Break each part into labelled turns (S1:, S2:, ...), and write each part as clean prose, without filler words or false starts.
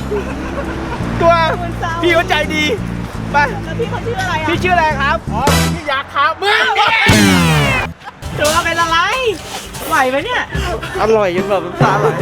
S1: ตัวพี่เขาใจดีไป
S2: แล้วพี่เขาชื่ออะไรอ่ะ
S1: พี่ชื่ออะไรครับ
S3: อ๋อพี่ยักษ์ครับมึง
S2: ตัวเป็นอะไรไหวไหมเนี่ย
S1: อร่อยจนแบบน้ำตาไหล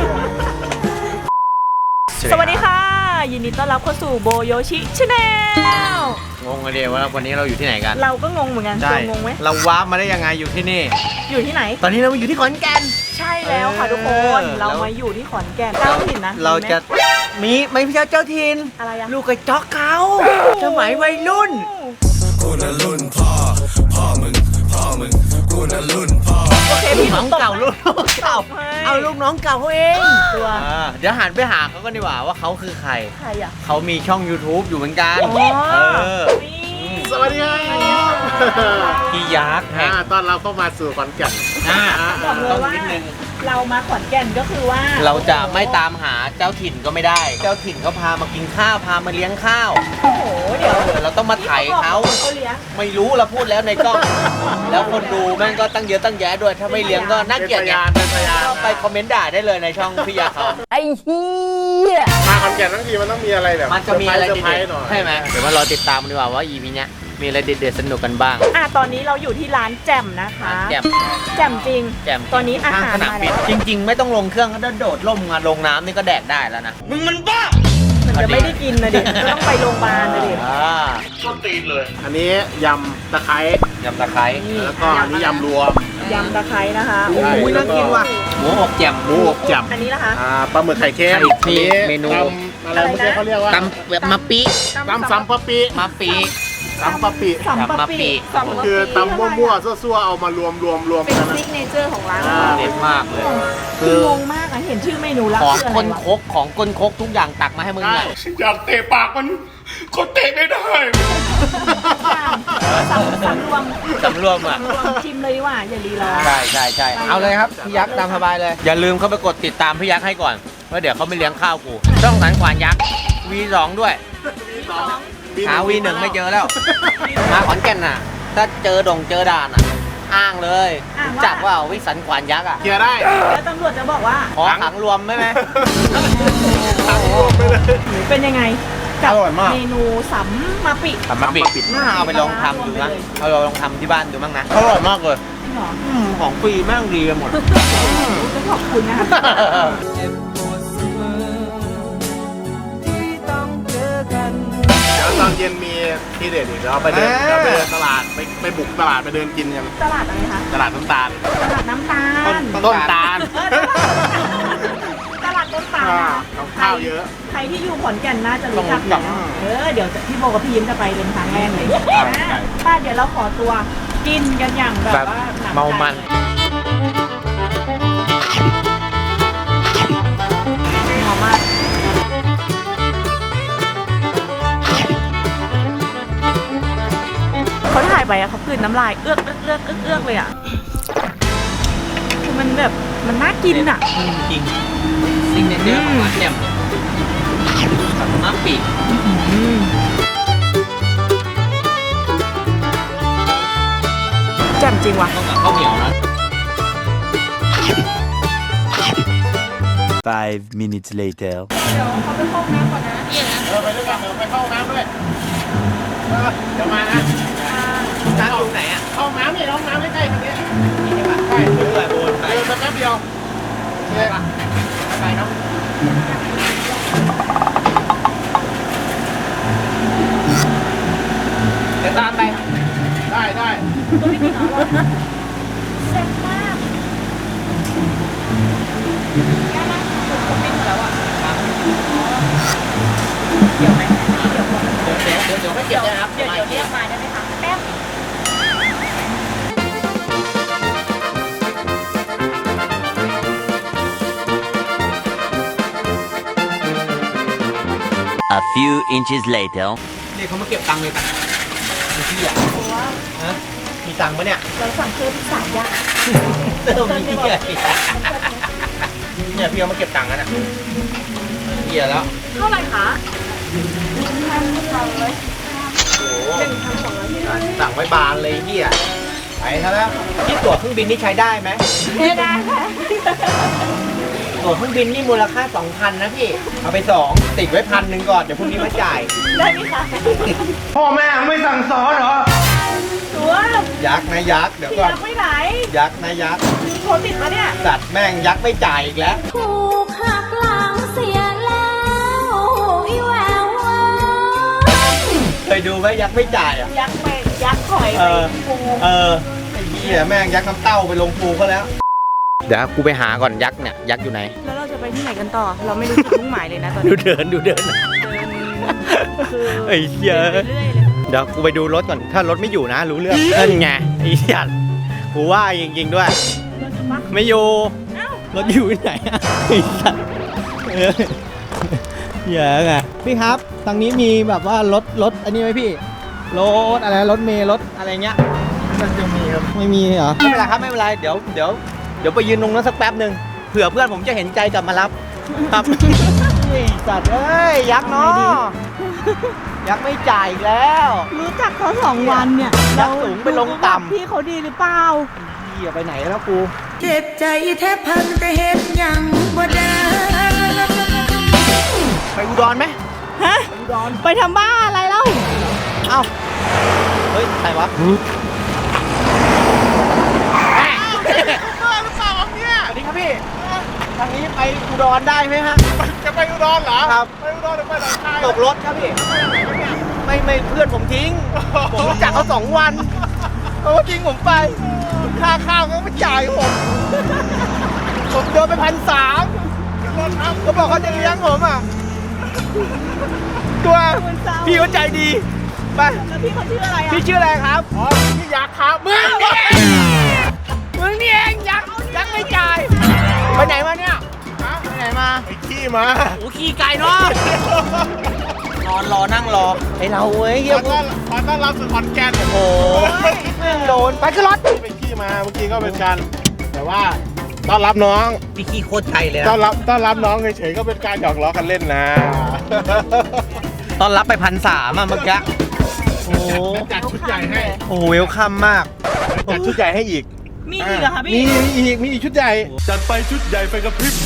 S2: สวัสดีค่ะยินดีต้อนรับเข้าสู่โบโยชิชาแนล
S1: งงกันเดียวว่าวันนี้เราอยู่ที่ไหนกัน
S2: เราก็งงเหมือนกันงงไหม
S1: เราว้ามาได้ยังไงอยู่ที่นี่
S2: อยู่ที่ไหน
S1: ตอนนี้เราอยู่ที่ขอนแก่น
S2: ใช่แล้วค่ะทุกคนเรามาอยู่ที่ขอนแก่นเจ้าถิ่นนะ
S1: เราจะไม่ใช่เจ้าถิ่น
S2: อะไรอะ
S1: ลูกกระจอกเขาสมัยวัยรุ่น
S4: กูน่ะรุ่นพ่อมึงกูน่ะรุ่นพ่อ
S2: โอเคพี่
S1: น้องเก่าลูกเก่าเอาลูกน้องเก่าเขาเอง
S2: ตัว
S1: เดี๋ยวหันไปหาเขาก็ดีกว่าว่าเขาคือใคร
S2: อ่ะ
S1: เขามีช่อง YouTube อยู่เหมือนกัน
S3: สวัสดีครับ
S1: พี่ยักษ์
S3: ตอนเราเข้ามาสู่ขอนแก่น
S2: ต้องนิดนึงเรามาขอนแก่นก็คือว่า
S1: เราจะไม่ตามหาเจ้าถิ่นก็ไม่ได้เจ้าถิ่นเขาพามากินข้าวพามาเลี้ยงข้าว
S2: โอ้โหเดี๋ยว
S1: เราต้องมาไถ่เขาไม่รู้เราพูดแล้วในกล้องแล้วคนดูแม่งก็ตั้งเยอะตั้งแยะด้วยถ้าไม่เลี้ยงก็น่าเกลียดไงไปคอมเมนต์ด่าได้เลยในช่องพี่ยักษ์เขา
S2: ไอ้เหี้ย
S3: มาขอนแก่นทั้งทีมันต้องมีอะไรแบบ
S1: มันจะมีอะไรเด็ด
S3: ๆ
S1: ใช่ไหมเดี๋ยวมารอติดตามดีกว่าว่า EP เนี้ยมีอะไรเด็ดๆสนุกกันบ้าง
S2: ตอนนี้เราอยู่ที่ร้านแจ่มนะคะแจ่มจริงตอนนี้อาหารมาแล้ว
S1: จริงๆไม่ต้องลงเครื่องถ้าโดดล่มมาลงน้ำนี่ก็แดกได้แล้วนะมึงมันบ้า
S2: มันจะไม่ได้กินนะดิก็ต้องไปโรงพยาบาลนะดิ
S3: ชอบตีนเลยอันนี้ยำตะไคร้
S1: แล้ว
S3: ก็อันนี้ยำรวม
S2: ยำตะไคร้นะคะ
S1: โอ้ยน่ากินว่ะหมูอบแจ่ม
S2: อันนี้นะคะ
S3: ปลาหมึกไข่เค็ม
S1: นี่เมนู
S3: อะไรเมื่อกี้เขาเรียกว่า
S1: ตำแบบมะปิ
S3: ซ้ำปะปิ
S2: ซัมปะปิ
S3: คือตำมั่วๆซั่วๆเอามารวม
S2: เป็นซิกเนเจอร์ของร้าน
S1: เด็ดมากเลย
S2: คืองงมากเห็นชื่อเมนูแล้ว
S1: ของก้นคกทุกอย่างตักมาให้มึงเลย
S3: อยากเตะปากมันก็เตะไม่ได้
S1: สำรวมอ่ะ
S2: ชิมเลยดีกว่าอย่าลีรอ
S1: ใช่เอาเลยครับพี่ยักษ์ตามสบายเลยอย่าลืมเข้าไปกดติดตามพี่ยักษ์ให้ก่อนเพราะเดี๋ยวเขาไม่เลี้ยงข้าวกูช่องสันขวานยักษ์ V2 ด้วยหา V1 ไม่เจอแล้วมาขอนแก่นน่ะถ้าเจอด่านอ่ะอ้างเลยจักว่าวิสันขวานยักษ์อ่ะ
S3: เคลียร์ได้
S2: แล้วตำรวจจะบอกว่า
S1: ขอขังรวมไหม
S2: เป็นยังไง
S1: อร่อยมาก
S2: เมนูสัมมาปิ
S1: น่าเอาไปลองทำดูนะเอาลองทำที่บ้านดูบ้างนะอร่อยมากเลยของฟรีแม่งดีกันหมด
S2: ขอบคุณนะคะ
S3: ตอนเย็นมีที่เด็ดอีกเราไปเดินตลาดไปบุกตลาดไปเดินกินกัน
S2: ตลาดอะไรคะ
S3: ตลาดน้ำตาล
S1: ต้นตาล
S2: ตลาดต้นตาล
S3: ข้าวเยอะ
S2: ใครที่อยู่ขอนแก่นน่าจะรู้จักเดี๋ยวพี่โบกับพี่ยิ้มจะไปเป็นครั้งแรกเลยป้าเดี๋ยวเราขอตัวกินกันอย่างแบบว่า
S1: เมามัน
S2: มากเขาถ่ายไปอะเขากลืนน้ำลายเอื้อกเลยอะคือมันแบบมันน่ากินอะ
S1: จริงสิ่งเด็ดของร้านแจ่มมะปิ
S2: แจ่มจริงว่ะ
S1: ต้องกับข้าวเหนียวนะ
S4: 5 minutes later
S2: เดี๋ยวเขาไปเข้าน้ำก่อนนะ
S3: ไปด้วยกันไปเข้าน้ำด้วยเดี๋ยวมานะ
S1: ร้านตรงไหนอ่ะ
S3: ห้องน้ำนี่ห้องน้ำใกล้ๆตรงนี้
S1: ใช่ปะใช่เดินไป
S3: แป๊บเดียว
S1: ใช่ปะไปเนาะเดี๋ยวตามไป
S3: ได้
S2: ก็ไม่กินหรอแซ่บมากย่านั่งผมไม่หมดแล้วอ่ะเดี๋ยวไหม
S1: เดี๋ยวไม่เก็บนะครับ
S2: เดี๋ยวเรียกมาได้ไหมคะแป๊บ
S4: A few inches later
S1: นี่เขามาเก็บตังค์เลยป่ะมีที่อ่ะมีตังค์ปะเนี่ย
S2: เราสั่งเพิ่ม3 อย่าง
S1: มีที่อ่ะเนี่ยพี่เขามาเก็บตังค์กันอ่ะเหี้ยแล้ว
S2: เท่าไหร่คะ1,200
S1: โอ้โหสั่งไว้บานเลยเหี้ยไปซะแล้วที่ตั๋วเครื่องบินนี่ใช้ได้ไหม
S2: ไม่ได้ค่ะ
S1: ตั๋วเครื่องบินนี่มูลค่า 2,000 นะพี่ เอาไป 2 ติดไว้1,000ก่อน เดี๋ยวพรุ่งนี้มาจ่าย
S2: ได้ไหมคะ
S1: พ่อแม่ไม่สั่งสอนเหรอ
S2: ตัว
S1: ยักษ์นะยักษ์เดี๋ยว
S2: พี่
S1: ก่อน
S2: ยักษ์ไม่ไหน
S1: ยักษ์นะยักษ์
S2: โทรติดมาเนี่ย
S1: สัตว์แม่งยักษ์ไม่จ่ายอีกแล้ว
S5: ถูกหักหลังเสียแล้วอีแววเว้ย
S1: เคยดูไหมยักษ์ไม่จ่ายอ่ะ
S2: ยักษ์ไปยักษ์ถอย
S1: เอ
S2: ไป
S1: อ
S2: ปู
S1: ไอ้เหี้ยแม่งยักษ์น้ำเต้าไปลงปูเขาแล้ว เดี๋ยวกูไปหาก่อนยักษ์เนี่ยยักษ์อยู่ไหน
S2: แล้วเราจะไปที่ไหนกันต่อ เราไม่รู้จุดมุ่งหมายเลยนะตอน
S1: ดู
S2: นี้
S1: เดิน
S2: เดินคือ
S1: ไอ้เหี้ย
S2: ดินไปเรื่อยเลย
S1: เดี๋ยวกูไปดูรถก่อน ถ้ารถไม่อยู่นะ รู้เรื่องนั่นไงไอ้สัตว์กูว่าจริงๆด้วย
S2: เราจะมา
S1: ไม่อยู่
S2: เอ้าร
S1: ถอยู่ที่ไหนอะไอ้สัตว์เยอะไงพี่ครับทางนี้มีแบบว่ารถอันนี้ไหมพี่รถอะไรรถเมล์รถอะไรเงี้ยมันจะมีครับไม่มีเหรอไม่เป็นไรครับไม่เป็นไรเดี๋ยวไปยืนตรงนั้นสักแป๊บหนึ่งเผื่อเพื่อนผมจะเห็นใจกลับมารับครับไอ้สัตว์เอ้ยยักษ์เนาะยักษ์ไม่จ่ายอีกแล้ว
S2: รู้จักเขา2 วันเนี่ย
S1: ยักษ์สูงไปลงต่ำ
S2: พี่เขาดีหรือเปล่า
S1: เหี้ยไปไหนแล้วกู
S5: เจ็บใจแทบพังแต่เฮ็ดหยังบ่ได้
S1: ไปอุดรไหม
S2: ฮะ ไปทำบ้าอะไรเล่า
S1: เอ้าเฮ้ยใครวะสวัสดีครับพี่ ทางนี้ไปอุดรได้ไหมฮะ
S3: จะไปอุดรเหรอ
S1: ครับ
S3: ไปอุดรหรือไปหนองคาย
S1: ตกรถครับพี่ ไม่เพื่อนผมทิ้ง ผมรู้จักเขา2 วันเขาก็ทิ้งผมไป ค่าข้าวเขาไม่จ่ายผมโดนไป1,300เขาบอกเขาจะเลี้ยงผมอ่ะ ตัวพี่เขาใจดี ไป
S2: แล้วพี่เขาชื่ออะไรอ่ะ
S1: พี่ชื่ออะไรครับ
S3: อ๋อพี่ยักษ์ครับมึง
S1: มึงนี่เองยักษ์ไม่จ่าย ไปไหนมาเนี่ยไปไหนมา
S3: ไอ้ขี้มา
S1: โอ้ขี่ไก่เนาะนอนรอนั่งรอไอเราเว้ยเฮีย
S3: ขอต้อนรับสู่ขอนแก่น
S1: โอ้ยแม่งโดนไปขึ้นรถ
S3: ไปขี้มาเมื่อกี้ก็เป็นการแต่ว่าต้อนรับน้อง
S1: พี่ขี่โคตรไกลเลย
S3: ต้อนรับน้องเฉยๆก็เป็นการหยอกล้อกันเล่นนะ
S1: ตอนรับไป1,300อ่ะเมื่อกี้โอ้
S3: จัดชุดใหญ่ให้
S1: โหเวลคัมมาก
S3: จัดชุดใหญ่ให้อีก
S2: มีอีกเหรอคะ
S3: มี
S2: พี่
S3: มีอีกชุดใหญ่
S4: จัดไปชุดใหญ่ไปกับพริบ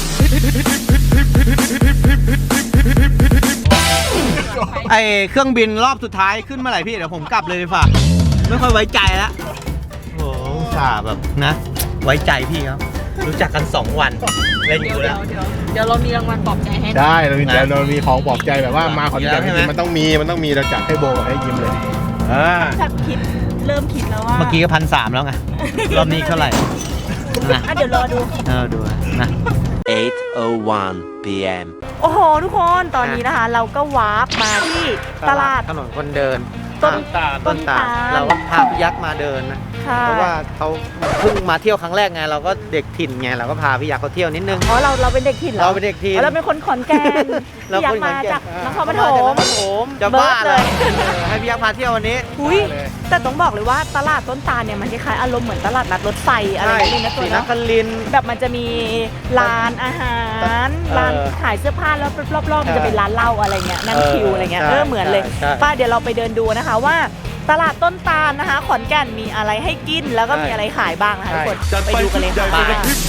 S1: ไอเครื่องบินรอบสุดท้ายขึ้นเมื่อไหร่พี่เดี๋ยวผมกลับเลยดีกว่าไม่ค่อยไว้ใจแล้วโอ้อุตส่าห์แบบนะ ไว้ใจพี่ครับรู้จักกัน2 วันเล่นอยู่แล้ว
S2: เดี๋ยวเรามีรางวัลปลอบใจให้นะ
S3: ได้เรามี
S1: นะ
S3: เรามีของปลอบใจแบบว่ามาขอนแก่น
S1: ใช่ไหม
S3: มันต้องมีเราจัดให้โบกับให้ยิ้มเลย
S2: แบบเริ่มคิดแล้วว่า
S1: เมื่อกี้ก็1,300แล้วไงรอบนี้เท่าไหร่นะ
S2: อ่ะเดี๋ยวรอดู
S1: ดูนะ
S6: 8:01 p.m.
S2: โอ้โห ทุกคนตอนนี้นะคะ เราก็วาร์ปมาที่ตลาด
S1: ถนนคนเดิน
S2: ต้น
S1: ต้นตาลเราก็พาพี่ยักษ์มาเดินนะ
S2: ค่ะ
S1: เพราะว่าเขาเพิ่งมาเที่ยวครั้งแรกไงเราก็เด็กถิ่นไงเราก็พาพี่ยักษ์เขาเที่ยวนิดนึง
S2: อ๋อเราเป็นเด็กถิ่นเหรอ
S1: เราเป็นเด็กถิ่น
S2: อ๋อเราเป็นคนขอนแก่น
S1: เรา
S2: อยาก
S1: คนข
S2: มา
S1: อนแก่น
S2: จากนครปฐ
S1: มาจากน
S2: ม
S1: ครปฐมจะบ้า
S2: เบิ
S1: เล
S2: ร์
S1: ย
S2: ดเลย
S1: ให้พี่ยักษ์พาเที่ยววันนี้
S2: อุ้ยแต่ต้องบอกเลยว่าตลาดต้นตาลเนี่ยมันคล้ายๆอารมณ์เหมือนตลาดนัดรถไฟอะไรอย่างนี้นะตัว
S1: ศรีน
S2: เนาะ
S1: ครินทร์
S2: แบบมันจะมีร้านอาหาร ร้านขายเสื้อผ้าแล้วรอบๆมันจะเป็นร้านเหล้าอะไรเงี้ยนั่งคิวอะไรเงี้ย
S1: ใช่
S2: เหมือนเลย
S1: ใช่
S2: ป้าเดี๋ยวเราไปเดินดูนะคะว่าตลาดต้นตาลนะคะ ขอนแก่นมีอะไรให้กินแล้วก็มีอะไรขายบ้างนะคะทุกคน
S4: จัด
S2: ไป
S4: ไป
S2: ดูกั
S4: ชุ
S2: น
S4: ด
S2: เลย
S4: ใหญ่
S2: ค่ะ
S4: ไป
S2: บ้า
S4: กับพริบ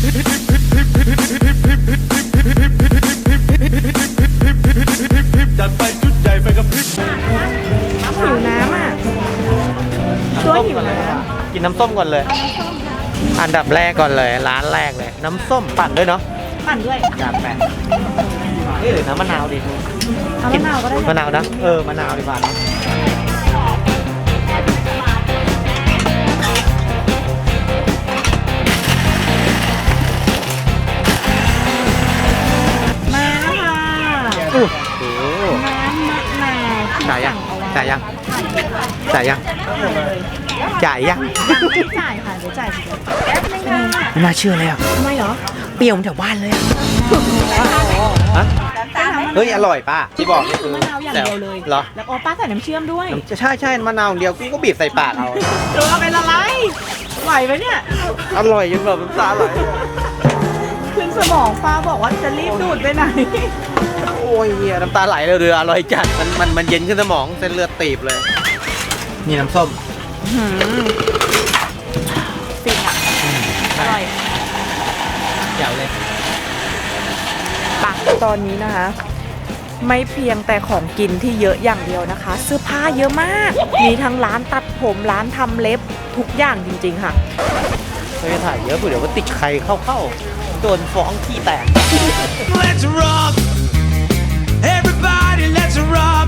S4: จัดไปชุดใหญ่ไปกับพริบ
S2: หิวน้ำอ่ะช่วยหิวน้
S1: กินน้ำส้มก่อนเลย อันดับแรกก่อนเลยร้านแรกเลย น้ำส้มปั่นด้วยเนาะ
S2: ำปั่นด้วย
S1: อยากแปะนี่หรือน้ำมะนาวดิ
S2: เอามะนาวก็ได้
S1: มะนาวนะมะนาวดีกว่าเนอะ
S2: มาค่ะ
S1: โอ้โห
S2: น้ำมะนาวที่
S1: จ่ายยัง
S2: สั่เอาไว้
S1: จ่ายยังจ่ายยัง
S2: ยังไม่จ่ายค่ะเดี๋ยวจ่ายทีเดียวแป๊บนึงนะ
S1: ไม่น่าเชื่อเลยอ่ะ
S2: ทำไมเหรอ
S1: เปรี้ยวเหมือนแถวบ้านเลยอ่ะฮะเฮ้ยอร่อยป้าที่บอกนี่คือ
S2: มะนาวอย่างเดียวเลย
S1: เหรอ
S2: แล้วอ๋อป้าใส่น้ำเชื่อมด้วย
S1: ใช่มะนาวอย่างเดียวกูก็บีบใส่ปากเอา
S2: ตัวเป็นอะไรไหวไหมเนี่ย
S1: อร่อยจนแบบน้ำตาไหล
S2: ขึ้นสมองป้าบอกว่าจะรีบดูดไปไหน
S1: โอ้ยเหี้ยน้ำตาไหลเลยเรืออร่อยจัดมันเย็นขึ้นสมองเส้นเลือดตีบเลยนี่น้ำส้ม
S2: ฟินอ่ะอร่อย
S1: แจ๋วเลย
S2: ตอนนี้นะคะ ไม่เพียงแต่ของกินที่เยอะอย่างเดียวนะคะ เสื้อผ้าเยอะมาก มีทั้งร้านตัดผมร้านทำเล็บทุกอย่างจริงๆค่ะ
S1: ไม่ถ่ายเยอะเดี๋ยวก็ติดใครเข้าโดนฟ้องขี้แตก
S4: Let's rock Everybody let's rock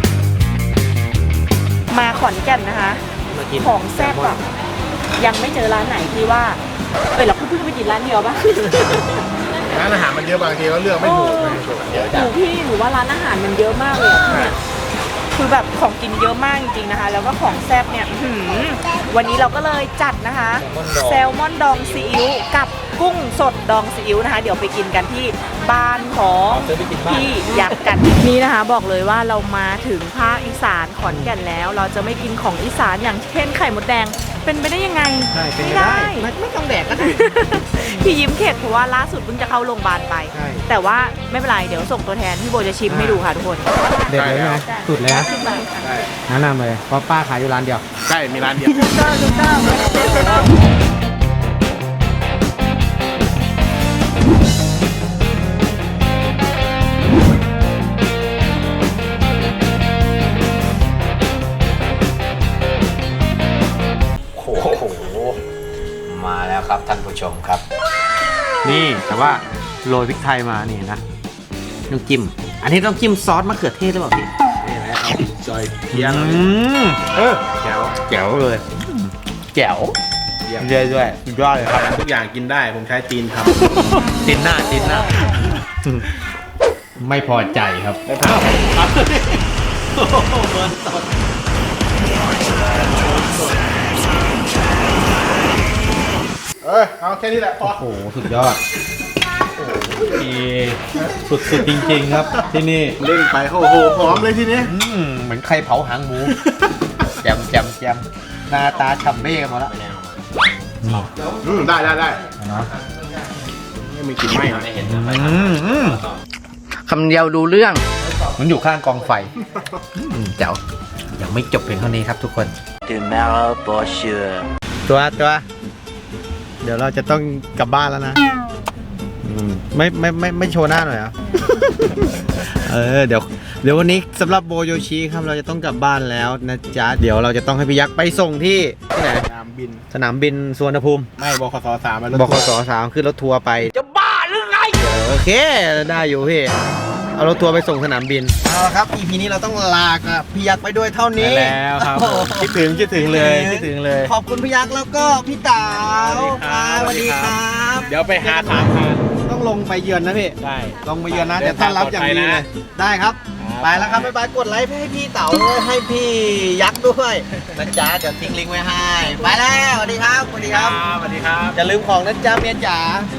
S2: มาขอนแก่นนะคะ ของแซ่บอะยังไม่เจอร้านไหนที่ว่าเราเพิ่งไปกินร้านเดียวปะ
S3: ร้านอาหารมันเยอะบางทีก็เลือกไม่ถูกไม่ถูกเยอะ
S2: หนูพี่หนูว่าร้านอาหารมันเยอะมากเลยอะที่เนี่ยคือแบบของกินเยอะมากจริงๆนะคะ แล้วก็ของแซ่บเนี่ยวันนี้เราก็เลยจัดนะคะแซลมอนดองซีอิ๊วกับกุ้งสดดองซีอิ๊วนะคะ เดี๋ยวไปกินกันที่บ้านของพี่ยักษ์กันนี่นะคะ บอกเลยว่าเรามาถึงภาคอีสานขอนแก่นแล้ว เราจะไม่กินของอีสานอย่างเช่นไข่มดแดงเป็นไปได้ยังไง
S1: ใช่เป็น
S2: ไม่
S1: ไปได้
S2: ได้
S1: ไม่ต้องแดกก็ได้
S2: พี่ยิ้มเข็ดเพราะว่าล่าสุดเพิ่งจะเข้าโรงพยาบาลไป
S1: ใช่
S2: แต่ว่าไม่เป็นไรเดี๋ยวส่งตัวแทนพี่โบจะชิมให้ดูค่ะทุกคน
S1: เด็ดเลยไหมสุดเลยนะ
S3: ใช่
S1: แนะนำเลยเพราะป้าขายอยู่ร้านเดียว
S3: ใช่มีร้านเดียว
S1: โอ้โห มาแล้วครับท่านผู้ชมครับ นี่แต่ว่าโรยพริกไทยมานี่นะน้ำจิ้ม อันนี้ต้องจิ้มซอสมะเขือเทศหรือเปล่าพี่
S3: นี่แหละเอาจอยเทียน แจ๋ว
S1: แจ๋วเลยแจ๋ว
S3: เยี่ยม
S1: เยอะด้วยสุดยอดเลยครับ
S3: ทุกอย่างกินได้ผมใช้ตีนท
S1: ตินหน้า ไม่พอใจครับ
S3: ำไม่ผ่านเอาแค่นี้แหละพอ
S1: โอ้โห สุดยอดสุดจริงๆครับ ที่นี่
S3: เล่นไปโอ้โหหอมเลยทีนี้
S1: เหมือนใครเผาหางหมู แจมหน้าตาฉ่ำเบ้กันหมดแล้ว
S3: ได้
S1: เนาะ
S3: ไม่มีกลิ่นไหม้นะ
S1: คำเดียวดูเรื่อง มันอยู่ข้างกองไฟเจ๋วยังไม่จบเพียงเท่านี้ครับทุกคน
S6: Tomorrow for sure.
S1: ตัว เดี๋ยวเราจะต้องกลับบ้านแล้วนะไม่โชว์หน้าหน่อยอ่ะ เดี๋ยววันนี้สำหรับโบโยชิครับเราจะต้องกลับบ้านแล้วนะจ๊ะเดี๋ยวเราจะต้องให้พี่ยักษ์ไปส่งที่ไหน
S3: ตามบิน
S1: สนามบินสุวรรณภูมิ
S3: ไม่บขส3มา
S1: บขส3ขึ้นรถทัวร์ไปจะบ้าหรือไงโอเคได้อยู่พี่เอารถทัวร์ไปส่งสนามบินเอาละครับ EP นี้เราต้องลากับพี่ยักษ์ไปด้วยเท่านี้
S3: แล้วครับคิดถึงเลย
S1: ขอบคุณพี่ยักษ์แล้วก็พี่เต๋าสวัสดีครับ
S3: เดี๋ยวไปหาถามทาน
S1: ต้องลงไปเยือนนะพี่
S3: ได้
S1: ลงไปเยือนนะเดี๋ยวต้อนรับอย่างดีเลย ได้ครับ ไปแล้วครับบ๊ายบายกดไลค์ให้พี่เต๋าด้วยให้พี่ยักษ์ด้วยนะจ๊ะเดี๋ยวทิ้งลิงก์ไว้ให้ ไปแล้วสวัสดีครับ
S3: สวัสดีครับ
S1: อย่าลืมของนะจ๊ะเมียจ๋า